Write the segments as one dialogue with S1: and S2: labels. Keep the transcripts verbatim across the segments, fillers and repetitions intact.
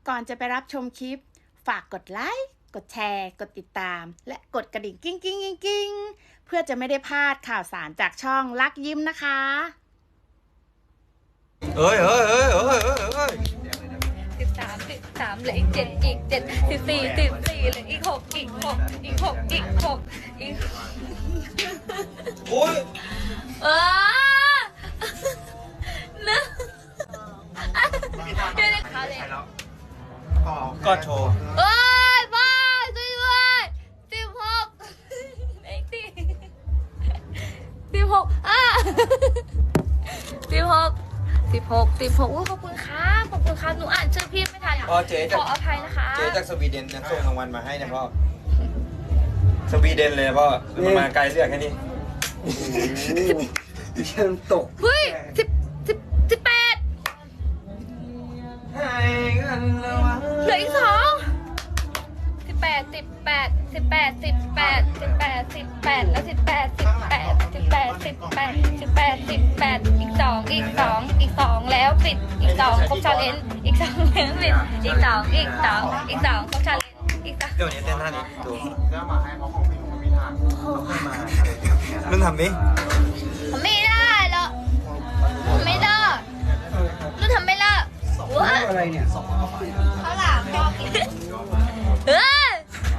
S1: ก่อนจะไปรับชมคลิปฝากกดไลค์กดแชร์กดติดตามและกดกระดิ่งกิ้งกิ้งกิ้งกิ้งเพื่อจะไม่ได้พลาดข่าวสารจากช่องลักยิ้มนะคะ
S2: เอ้ยเอ้ยเอ้ยเอ้ยเอ้ยเอ้ย
S3: สิบสามสิบสามเหลืออีกเจ็ดอีกเจ็ดสิบสี่สิบสี่เหลืออีกหกอีกหกอีกหกอีกหกอีก
S2: โอ้ย
S3: เออนะเดี๋ยวนะคะเลย
S2: ก็โชว์
S3: เอ้ยบ้าช่วยด้วยสิบหกไอ้ตีสิบหกอ่ะสิบหกสิบหกสิบหกขอบคุณครับขอบคุณครับหนูอ่านชื่อพี่ไม่ทัน
S2: อ๋อเจ๊จาก
S3: ขออภัยนะคะ
S2: เจ๊จากสวีเดนนะส่งรางวัลมาให้นะพ่อสวีเดนเลยพ่อมันมาไกลเสียแค่นี้
S4: ฉันตก
S3: เฮ้ยสิบสิบสิบแปดเหลืออีกสองสิบแปดสิบแปดสิบแปดสิบแปดสิบแปดสิบแปดแล้วสิบแปดสิบแปดสิบแปดสิบแปดสิบแปดสิบแปดอีกสองอีกสองอีกสองแล้วปิดอีกสองครบชาเลนจ์อีกสองแล้วปิดอีกสองอีกสองอีกสองครบชาเลนจ์อีกสอง
S2: เดี๋ยวนี้เต้นท่านี้ดู
S4: แล้วมาให้เพราะของพี่มันมีทาง
S2: มึงทำดิ
S3: ไม่ได้หรอกไม่ได้ลูกทำไม่ได้ว้า
S4: อะไรเนี่ย
S3: เขาหลามชอบกินเฮ้ย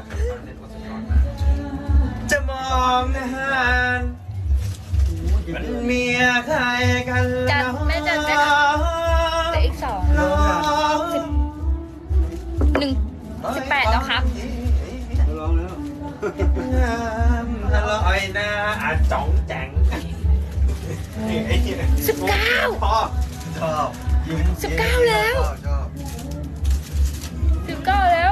S2: จะมองหน้ามันเมียใครกัน
S3: จัดแม่จัดแม่เหลืออีกสองสิบหนึ่งสิบแปดแล้วครับ
S4: ร้องแล้ว
S2: อร่อยนะอาจ๋องแจ๋งนี่ไอ้ที่เนี่ย
S3: สิบเก้า
S2: พ่อชอบยิ้ม
S3: สิบเก้าแล้ว
S2: ชอบ
S3: สิบเก้าแล้ว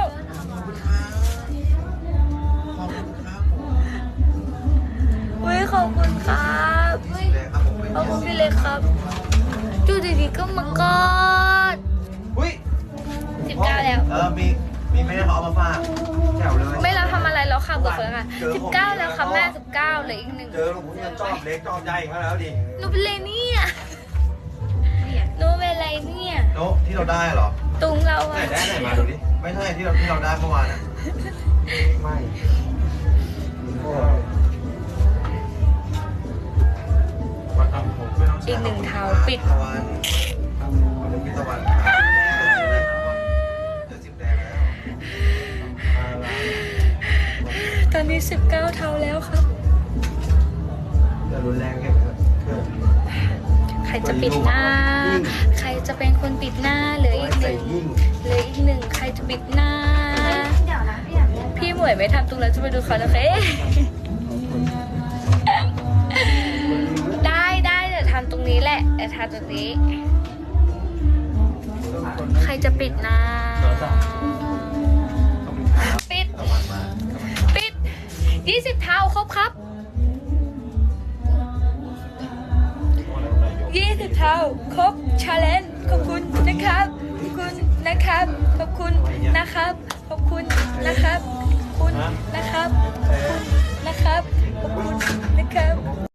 S3: เฮ้ยขอบคุณครับเฮ้ยขอบคุณพี่เล็กครับดูดีๆก็มากอด
S2: อุ้ย
S3: สิบเก้าแล้ว
S2: เออมีมีแม่เขาเอามาฝากแถวเลย
S3: ไม่เราทำอะไรแล้วค่ะเบิกเลยค่ะสิบเก้าแล้วค่ะแม่สิบเก้าเหลืออีกหนึ่ง
S2: เจอหลวงพ่อจะจอบเล็กจอบใหญ่มาแล้วดิ
S3: หนูเป็นอะไรเนี่ยหนูเป็นอะไรเนี่ย
S4: โน้ที่เราได้เหรอ
S3: ตุงเรา
S4: ไหน
S3: อะ
S4: ได้ไหนมาดูดิ ไม่ใช่ที่เราที่เราได้เมื่อวานอ่ะ ไม่
S3: อีกหนึ่งเท้าปิด
S4: ตะวันปิดตะวันเดี๋ยวสิบแดงแล้ว
S3: ตอนนี้สิบเก้าเท้าแล้วครับ
S4: จะรุนแรงแค่เพื่อน
S3: ใครจะปิดหน้า ใครจะเป็นคนปิดหน้าเหลืออีกหนึ่งเหลืออีกหนึ่งใครจะปิดหน้าพี่หมวยไม่ทำตรงแล้วจะไปดูเขาแล้วเอ๊ะได้ได้เดี๋ยวทำตรงนี้แหละเดี๋ยวทำตรงนี้ใครจะปิดหน้าปิดปิดยี่สิบเท้าครบครับยี่สิบเท้าครบชาเลนจ์ขอบคุณนะครับขอบคุณนะครับขอบคุณนะครับขอบคุณนะครับขอบคุณนะครับขอบคุณนะครับขอบคุณนะครับ